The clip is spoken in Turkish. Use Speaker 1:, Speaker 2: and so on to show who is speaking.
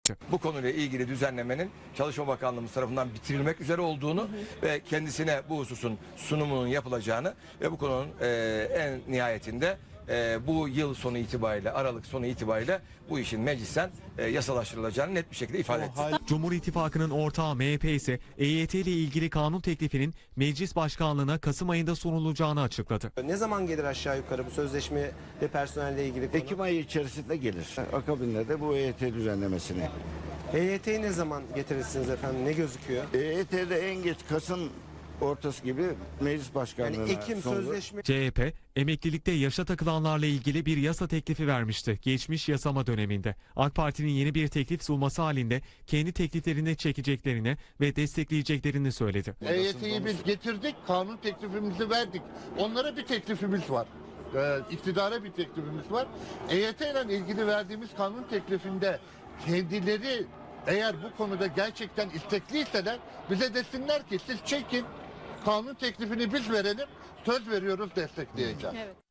Speaker 1: söyledi.
Speaker 2: Bu konuyla ilgili düzenlemenin Çalışma Bakanlığımız tarafından bitirilmek üzere olduğunu ve kendisine bu hususun sunumunun yapılacağını ve bu konunun en nihayetinde bu yıl sonu itibariyle, Aralık sonu itibariyle bu işin meclisten yasalaştırılacağını net bir şekilde ifade etti.
Speaker 1: Cumhur İttifakı'nın ortağı MHP ise EYT ile ilgili kanun teklifinin meclis başkanlığına Kasım ayında sunulacağını açıkladı.
Speaker 3: Ne zaman gelir aşağı yukarı bu sözleşme ve personelle ilgili konu?
Speaker 4: Ekim ayı içerisinde gelir. Akabinde de bu EYT düzenlemesini.
Speaker 3: EYT'yi ne zaman getirirsiniz efendim? Ne gözüküyor?
Speaker 4: EYT'de en geç Kasım ortası gibi meclis başkanlığına
Speaker 3: Yani Ekim
Speaker 4: sunulur.
Speaker 3: sözleşme...
Speaker 1: CHP, emeklilikte yaşa takılanlarla ilgili bir yasa teklifi vermişti geçmiş yasama döneminde. AK Parti'nin yeni bir teklif sunması halinde kendi tekliflerini çekeceklerini ve destekleyeceklerini söyledi.
Speaker 5: EYT'yi biz getirdik, kanun teklifimizi verdik. Onlara bir teklifimiz var. İktidara bir teklifimiz var. EYT ile ilgili verdiğimiz kanun teklifinde kendileri eğer bu konuda gerçekten istekliyseler bize desinler ki siz çekin, kanun teklifini biz verelim, söz veriyoruz destekleyeceğiz.
Speaker 6: Evet.